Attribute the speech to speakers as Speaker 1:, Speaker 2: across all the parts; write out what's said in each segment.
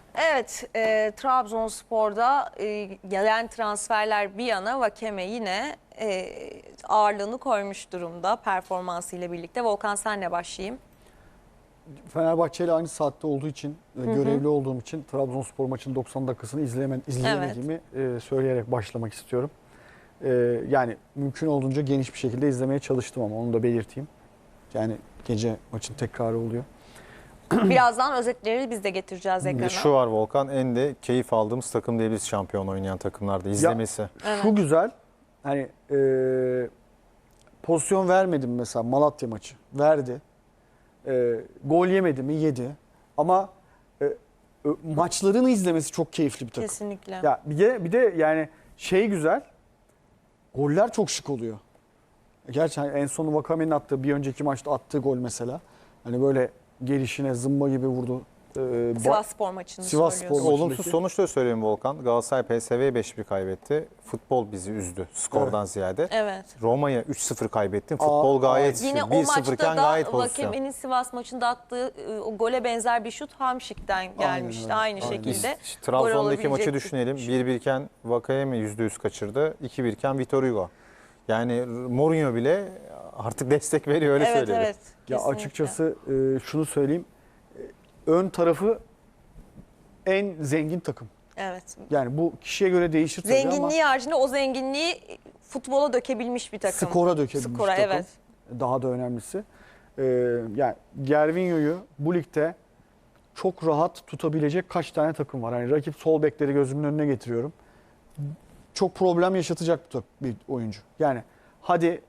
Speaker 1: Evet, Trabzonspor'da gelen transferler bir yana Vakeme yine ağırlığını koymuş durumda performansıyla birlikte. Volkan, senle başlayayım.
Speaker 2: Fenerbahçe ile aynı saatte olduğu için, görevli olduğum için Trabzonspor maçının 90 dakikasını izleyemediğimi söyleyerek başlamak istiyorum. Yani mümkün olduğunca geniş bir şekilde izlemeye çalıştım ama onu da belirteyim. Yani gece maçın tekrarı oluyor.
Speaker 1: Birazdan özetleri biz de getireceğiz ekrana.
Speaker 3: Şu var Volkan, en de keyif aldığımız takım diyebiliriz şampiyon oynayan takımlarda izlemesi.
Speaker 1: Evet.
Speaker 2: Şu güzel, hani pozisyon vermedim mesela Malatya maçı. Verdi. Gol yemedi mi? Yedi. Ama maçlarını izlemesi çok keyifli bir takım.
Speaker 1: Kesinlikle.
Speaker 2: Ya bir de yani şey güzel. Goller çok şık oluyor. Gerçi en sonu Vakame'nin attığı, bir önceki maçta attığı gol mesela. Hani böyle gelişine zımba gibi vurdu.
Speaker 1: Sivasspor maçını
Speaker 2: Sivasspor
Speaker 1: söylüyorsun.
Speaker 2: maçı.
Speaker 3: Olumsuz sonuçla söyleyeyim Volkan. Galatasaray PSV'ye 5-1 kaybetti. Futbol bizi üzdü skordan ziyade.
Speaker 1: Evet.
Speaker 3: Roma'ya 3-0 kaybettin. Futbol gayet
Speaker 1: Yine o
Speaker 3: 1-0
Speaker 1: maçta
Speaker 3: iken gayet
Speaker 1: da
Speaker 3: pozisyon.
Speaker 1: Vakeme'nin Sivas maçında attığı o gole benzer bir şut Hamşik'ten gelmişti.
Speaker 2: öyle.
Speaker 1: Aynı
Speaker 2: Aynen.
Speaker 1: şekilde.
Speaker 3: Trabzon'daki
Speaker 1: gol
Speaker 3: maçı
Speaker 1: olabilecek
Speaker 3: düşünelim.
Speaker 1: bir
Speaker 3: 1-1 iken Vakayeme %100 kaçırdı. 2-1 iken Vitor Hugo. Yani Mourinho bile artık destek veriyor, öyle
Speaker 1: Evet,
Speaker 3: söyleyelim.
Speaker 1: evet.
Speaker 2: Ya
Speaker 1: Kesinlikle.
Speaker 2: açıkçası şunu söyleyeyim. Ön tarafı en zengin takım.
Speaker 1: Evet.
Speaker 2: Yani bu kişiye göre değişir tabii ama
Speaker 1: Zenginliği haricinde o zenginliği futbola dökebilmiş bir takım.
Speaker 2: skora dökebilmiş
Speaker 1: Skora,
Speaker 2: takım.
Speaker 1: evet.
Speaker 2: Daha da önemlisi. Yani Gervinho'yu bu ligde çok rahat tutabilecek kaç tane takım var. Yani rakip sol bekleri gözümün önüne getiriyorum. Çok problem yaşatacak bir oyuncu. Yani hadi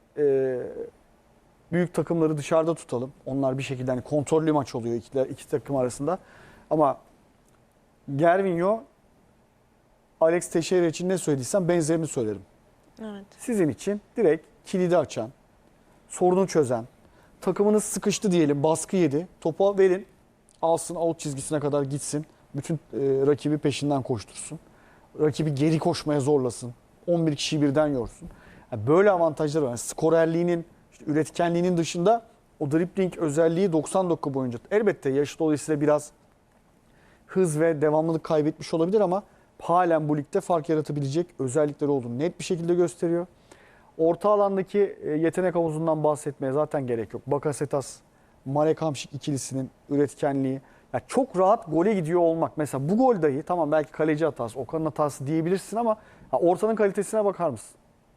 Speaker 2: büyük takımları dışarıda tutalım. Onlar bir şekilde hani kontrollü maç oluyor iki takım arasında. Ama Gervinho, Alex Teixeira için ne söylediysem benzerini söylerim.
Speaker 1: Evet.
Speaker 2: Sizin için direkt kilidi açan, sorunu çözen, takımınız sıkıştı diyelim, baskı yedi. Topu verin, alsın, out çizgisine kadar gitsin. Bütün rakibi peşinden koştursun. Rakibi geri koşmaya zorlasın. 11 kişiyi birden yorsun. Yani böyle avantajları var. Yani skorerliğinin, işte üretkenliğinin dışında o dribbling özelliği 90 dakika boyunca. Elbette yaşı dolayısıyla biraz hız ve devamlılık kaybetmiş olabilir ama halen bu ligde fark yaratabilecek özellikleri olduğunu net bir şekilde gösteriyor. Orta alandaki yetenek havuzundan bahsetmeye zaten gerek yok. Bakasetas, Marek Hamšík ikilisinin üretkenliği. Ya çok rahat gole gidiyor olmak. Mesela bu gol dahi tamam belki kaleci hatası, Okan'ın hatası diyebilirsin ama ortanın kalitesine bakar mısın?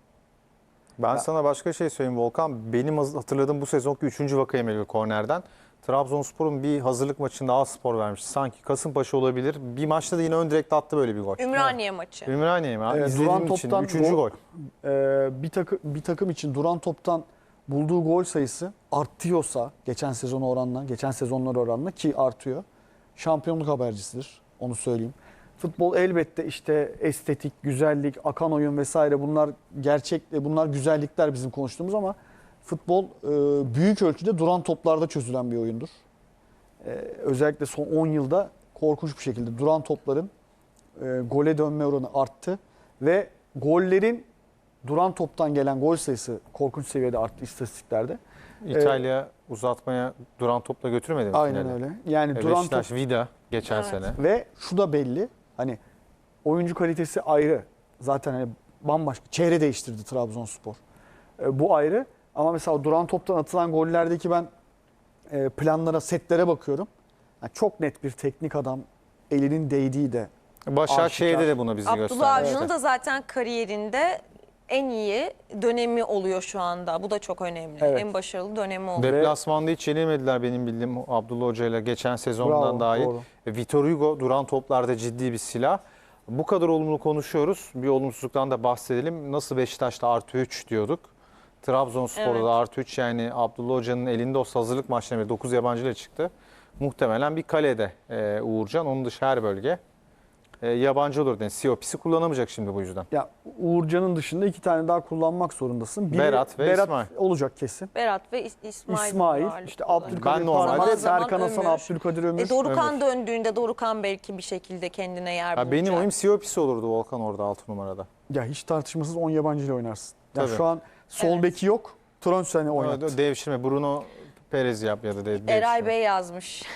Speaker 3: Ben sana başka şey söyleyeyim Volkan. Benim hatırladığım bu sezonki 3. Vakayeme kornerden. Trabzonspor'un bir hazırlık maçında A-Spor vermiş. Sanki Kasımpaşa olabilir. Bir maçta da yine ön direkte attı böyle bir gol.
Speaker 1: Ümraniye maçı.
Speaker 3: Ümraniye mi?
Speaker 2: Evet,
Speaker 3: İzlediğim
Speaker 2: duran
Speaker 3: için
Speaker 2: toptan
Speaker 3: 3. gol.
Speaker 2: Bir takım için duran toptan bulduğu gol sayısı artıyorsa geçen sezonlar oranla ki artıyor. Şampiyonluk habercisidir. Onu söyleyeyim. Futbol elbette işte estetik, güzellik, akan oyun vesaire bunlar güzellikler bizim konuştuğumuz ama futbol büyük ölçüde duran toplarda çözülen bir oyundur. Özellikle son 10 yılda korkunç bir şekilde duran topların gole dönme oranı arttı ve gollerin duran toptan gelen gol sayısı korkunç seviyede arttı istatistiklerde.
Speaker 3: İtalya uzatmaya duran topla götürmedi mi?
Speaker 2: Aynen
Speaker 3: finale?
Speaker 2: öyle. Yani duran top
Speaker 3: Beşiktaş, Vida geçen
Speaker 1: Evet.
Speaker 3: sene.
Speaker 2: ve şu da belli. Hani oyuncu kalitesi ayrı. Zaten hani bambaşka. Çehre değiştirdi Trabzonspor. Bu ayrı. Ama mesela duran toptan atılan gollerdeki ben planlara, setlere bakıyorum. Yani çok net bir teknik adam, elinin değdiği de
Speaker 3: Başakşehir'de
Speaker 2: aşikar.
Speaker 3: de bunu bizi
Speaker 1: Abdullah
Speaker 3: gösterdi.
Speaker 1: Avcı'nın da zaten kariyerinde en iyi dönemi oluyor şu anda. Bu da çok önemli.
Speaker 2: Evet.
Speaker 1: En başarılı dönemi oluyor.
Speaker 3: Deplasmanda hiç yenilmediler benim bildiğim Abdullah Hoca ile geçen sezondan
Speaker 2: Bravo,
Speaker 3: dahil.
Speaker 2: doğru.
Speaker 3: Vitor Hugo duran toplarda ciddi bir silah. Bu kadar olumlu konuşuyoruz. Bir olumsuzluktan da bahsedelim. Nasıl Beşiktaş'ta artı 3 diyorduk. Trabzonspor'da
Speaker 1: Evet.
Speaker 3: da artı 3, yani Abdullah Hoca'nın elinde o hazırlık maçlarında 9 yabancıyla çıktı. Muhtemelen bir kalede Uğurcan. Onun dışı her bölge yabancı olur. Yani COP'si kullanamayacak şimdi bu yüzden.
Speaker 2: Ya Uğurcan'ın dışında 2 tane daha kullanmak zorundasın. Biri
Speaker 3: Berat ve İsmail.
Speaker 2: olacak kesin.
Speaker 1: Berat ve İsmail.
Speaker 2: İsmail,
Speaker 1: ağırlıklı
Speaker 2: işte
Speaker 1: olarak.
Speaker 2: Abdülkadir
Speaker 3: Ben normalde-
Speaker 2: Parmak,
Speaker 1: Zaman
Speaker 2: Serkan Hasan,
Speaker 1: Ömür.
Speaker 2: Abdülkadir Ömür.
Speaker 1: Dorukan döndüğünde Dorukan belki bir şekilde kendine yer bulacak.
Speaker 3: Benim oyum COP'si olurdu Volkan orada 6 numarada.
Speaker 2: Ya hiç tartışmasız 10 yabancı ile oynarsın. Ya
Speaker 3: Tabii.
Speaker 2: şu an sol
Speaker 1: Evet.
Speaker 2: beki yok. Tronson'u oynattı.
Speaker 3: Devşirme Bruno Perez yap ya da
Speaker 1: Eray Bey yazmış.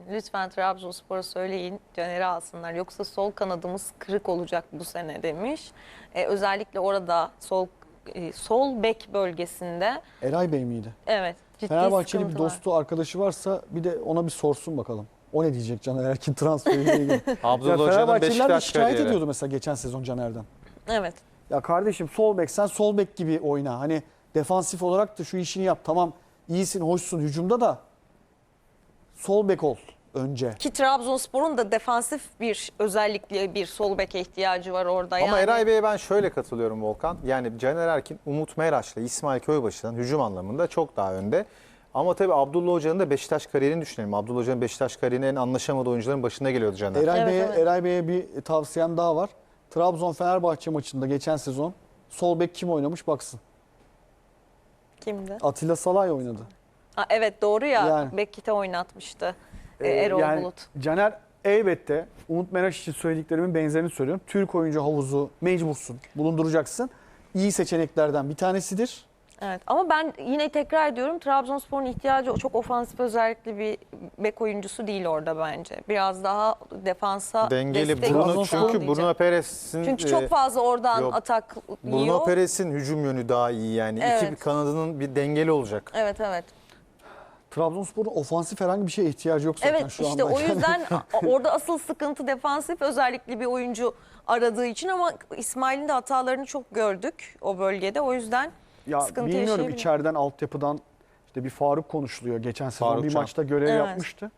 Speaker 1: lütfen Trabzonspor'a söyleyin Caner'i alsınlar. Yoksa sol kanadımız kırık olacak bu sene demiş. Özellikle orada sol bek bölgesinde
Speaker 2: Eray Bey miydi?
Speaker 1: evet ciddi
Speaker 2: Fenerbahçeli bir
Speaker 1: sıkıntı var.
Speaker 2: dostu, arkadaşı varsa bir de ona bir sorsun bakalım. O ne diyecek Caner Erkin transferiyle ilgili? Ya
Speaker 3: Abdullah Hoca'nın
Speaker 2: Fenerbahçeliler de
Speaker 3: Beşiktaş
Speaker 2: şikayet
Speaker 3: kariyeri.
Speaker 2: ediyordu mesela geçen sezon Caner'den.
Speaker 1: Evet.
Speaker 2: Ya kardeşim sol bek, sen sol bek gibi oyna. Hani defansif olarak da şu işini yap. Tamam iyisin, hoşsun hücumda da sol bek ol önce.
Speaker 1: Ki Trabzonspor'un da defansif bir özellikle bir sol beke ihtiyacı var orada.
Speaker 3: Ama
Speaker 1: yani.
Speaker 3: Eray Bey'e ben şöyle katılıyorum Volkan. Yani Caner Erkin, Umut Meraş'la İsmail Köybaşı'dan hücum anlamında çok daha önde. Ama tabii Abdullah Hoca'nın da Beşiktaş kariyerini düşünelim. Abdullah Hoca'nın Beşiktaş kariyerinin en anlaşamadığı oyuncuların başında geliyordu Caner.
Speaker 1: Evet.
Speaker 2: Eray Bey'e bir tavsiyem daha var. Trabzon-Fenerbahçe maçında geçen sezon sol bek kim oynamış baksın.
Speaker 1: Kimdi?
Speaker 2: Atilla Salay oynadı.
Speaker 1: Evet doğru ya.
Speaker 2: Yani.
Speaker 1: Bekit'e oynatmıştı. Erol
Speaker 2: Yani
Speaker 1: Bulut.
Speaker 2: Caner elbette Umut Meraş için söylediklerimin benzerini söylüyorum. Türk oyuncu havuzu mecbursun, bulunduracaksın. İyi seçeneklerden bir tanesidir.
Speaker 1: Evet ama ben yine tekrar ediyorum Trabzonspor'un ihtiyacı çok ofansif özellikli bir bek oyuncusu değil orada bence. Biraz daha defansa
Speaker 3: Dengeli
Speaker 1: destek
Speaker 3: Bruno,
Speaker 1: olsun
Speaker 3: çünkü
Speaker 1: diyeceğim.
Speaker 3: Bruno Perez'in
Speaker 1: Çünkü çok fazla oradan
Speaker 3: yok.
Speaker 1: atak
Speaker 3: Bruno
Speaker 1: yiyor.
Speaker 3: Perez'in hücum yönü daha iyi yani.
Speaker 1: Evet.
Speaker 3: İki kanadının bir dengeli olacak.
Speaker 1: Evet evet.
Speaker 2: Trabzonspor'un ofansif herhangi bir şeye ihtiyacı yok zaten
Speaker 1: Evet
Speaker 2: şu
Speaker 1: işte
Speaker 2: anda.
Speaker 1: o yüzden orada asıl sıkıntı defansif özellikli bir oyuncu aradığı için ama İsmail'in de hatalarını çok gördük o bölgede. O yüzden
Speaker 2: Ya
Speaker 1: sıkıntı
Speaker 2: bilmiyorum
Speaker 1: yaşayabilir.
Speaker 2: içeriden altyapıdan işte bir Faruk konuşuluyor. Geçen sezon
Speaker 3: Faruk
Speaker 2: bir
Speaker 3: Can.
Speaker 2: maçta görev
Speaker 1: Evet.
Speaker 2: yapmıştı.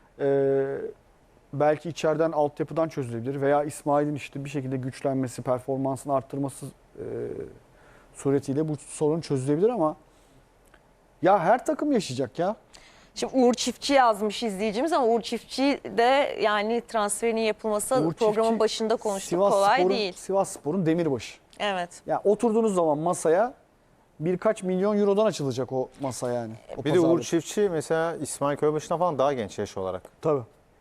Speaker 2: Belki içeriden altyapıdan çözülebilir veya İsmail'in işte bir şekilde güçlenmesi, performansını arttırması suretiyle bu sorun çözülebilir ama ya her takım yaşayacak ya.
Speaker 1: Şimdi Uğur Çiftçi yazmış izleyicimiz ama Uğur Çiftçi de yani transferinin yapılması
Speaker 2: Uğur
Speaker 1: programın
Speaker 2: Çiftçi,
Speaker 1: başında konuştuk
Speaker 2: Sivasspor'un-
Speaker 1: kolay değil.
Speaker 2: Sivasspor'un demirbaşı.
Speaker 1: Evet.
Speaker 2: Ya oturduğunuz zaman masaya birkaç milyon eurodan açılacak o masa yani. O
Speaker 3: Bir de Uğur
Speaker 2: pazarlık.
Speaker 3: Çiftçi mesela İsmail Köybaşı'na falan daha genç yaş olarak.
Speaker 2: Tabii.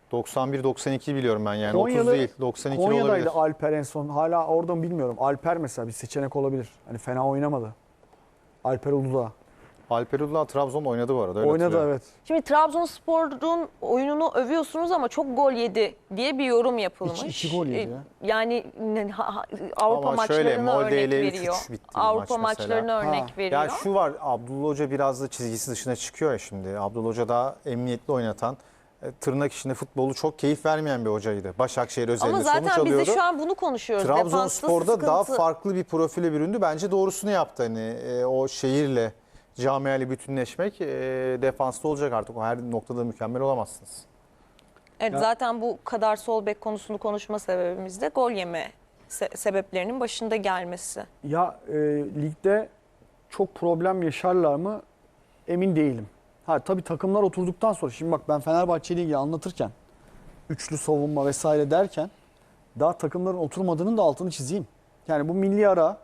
Speaker 3: 91-92 biliyorum ben yani 30
Speaker 2: Konyalı-
Speaker 3: değil 92
Speaker 2: Konya'daydı
Speaker 3: olabilir.
Speaker 2: Alper en son. Hala orada mı bilmiyorum. Alper mesela bir seçenek olabilir. Hani fena oynamadı. Alper Uludağ.
Speaker 3: Alper Uludağ Trabzon'da oynadı bu arada. Öyle
Speaker 2: Oynadı
Speaker 3: hatırlıyorum.
Speaker 2: evet.
Speaker 1: Şimdi Trabzonspor'un oyununu övüyorsunuz ama çok gol yedi diye bir yorum yapılmış.
Speaker 2: İki gol yedi ya.
Speaker 1: Yani Avrupa
Speaker 3: Ama şöyle,
Speaker 1: maçlarına örnek
Speaker 3: Molde ile 3-3
Speaker 1: veriyor.
Speaker 3: bitti bir maç
Speaker 1: Avrupa
Speaker 3: mesela.
Speaker 1: maçlarına örnek veriyor.
Speaker 3: Ya şu var, Abdullah Hoca biraz da çizgisi dışına çıkıyor ya şimdi. Abdullah Hoca daha emniyetli oynatan, tırnak içinde futbolu çok keyif vermeyen bir hocaydı. Başakşehir özelinde
Speaker 1: Ama
Speaker 3: sonuç
Speaker 1: zaten biz
Speaker 3: alıyordu.
Speaker 1: de şu an bunu konuşuyoruz. Defansta
Speaker 3: Trabzonspor'da daha
Speaker 1: sıkıntı.
Speaker 3: farklı bir profile büründü. Bence doğrusunu yaptı. Hani o şehirle, camiayla bütünleşmek defansta olacak artık. O her noktada mükemmel olamazsınız.
Speaker 1: Evet,
Speaker 2: Ya-
Speaker 1: zaten bu kadar sol bek konusunu konuşma sebebimiz de gol yeme sebeplerinin başında gelmesi.
Speaker 2: Ya ligde çok problem yaşarlar mı emin değilim. Ha tabii takımlar oturduktan sonra şimdi bak ben Fenerbahçe Ligi anlatırken üçlü savunma vesaire derken daha takımların oturmadığının da altını çizeyim. Yani bu milli ara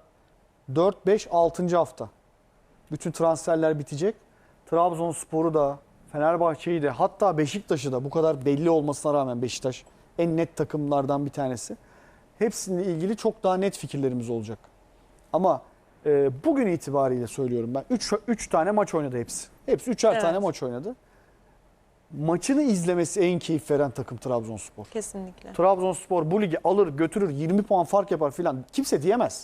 Speaker 2: 4 5 6. hafta. Bütün transferler bitecek. Trabzonspor'u da Fenerbahçe'yi de hatta Beşiktaş'ı da bu kadar belli olmasına rağmen Beşiktaş en net takımlardan bir tanesi. Hepsiyle ilgili çok daha net fikirlerimiz olacak. Ama bugün itibariyle söylüyorum ben 3 tane maç oynadı hepsi. Hepsi 3'er
Speaker 1: Evet.
Speaker 2: tane maç oynadı. Maçını izlemesi en keyif veren takım Trabzonspor.
Speaker 1: Kesinlikle.
Speaker 2: Trabzonspor bu ligi alır götürür 20 puan fark yapar filan kimse diyemez.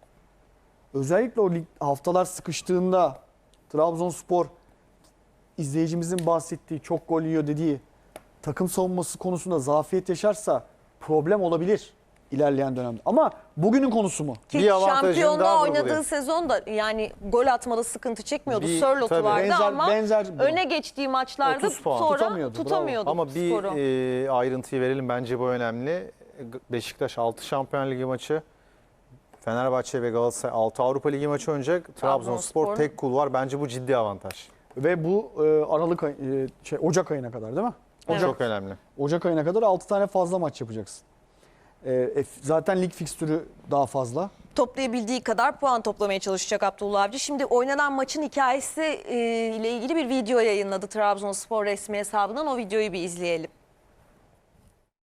Speaker 2: Özellikle o lig haftalar sıkıştığında Trabzonspor izleyicimizin bahsettiği çok gol yiyor dediği takım savunması konusunda zafiyet yaşarsa problem olabilir ilerleyen dönemde. Ama bugünün konusu mu?
Speaker 1: Ki
Speaker 3: Bir avantajını
Speaker 1: şampiyonda
Speaker 3: daha
Speaker 1: oynadığı
Speaker 3: vurgulayayım.
Speaker 1: sezonda yani gol atmada sıkıntı çekmiyordu.
Speaker 3: Bir-
Speaker 1: Sörlot'u
Speaker 3: tabii.
Speaker 1: vardı ama
Speaker 2: benzer bir durum.
Speaker 1: öne geçtiği maçlarda
Speaker 3: 30 puan.
Speaker 1: sonra
Speaker 2: Tutamıyordu,
Speaker 1: tutamıyordu
Speaker 3: Ama bir
Speaker 1: skoru.
Speaker 3: ayrıntıyı verelim, bence bu önemli. Beşiktaş 6 Şampiyon Ligi maçı, Fenerbahçe ve Galatasaray 6 Avrupa Ligi maçı oynayacak. Trabzonspor tek kul var. Bence bu ciddi avantaj.
Speaker 2: Ve bu Ocak ayına kadar değil mi?
Speaker 1: Evet.
Speaker 3: Çok önemli.
Speaker 2: Ocak ayına kadar 6 tane fazla maç yapacaksın. Zaten lig fikstürü daha fazla.
Speaker 1: Toplayabildiği kadar puan toplamaya çalışacak Abdullah Avcı. Şimdi oynanan maçın hikayesi ile ilgili bir video yayınladı Trabzonspor resmi hesabından. O videoyu bir izleyelim.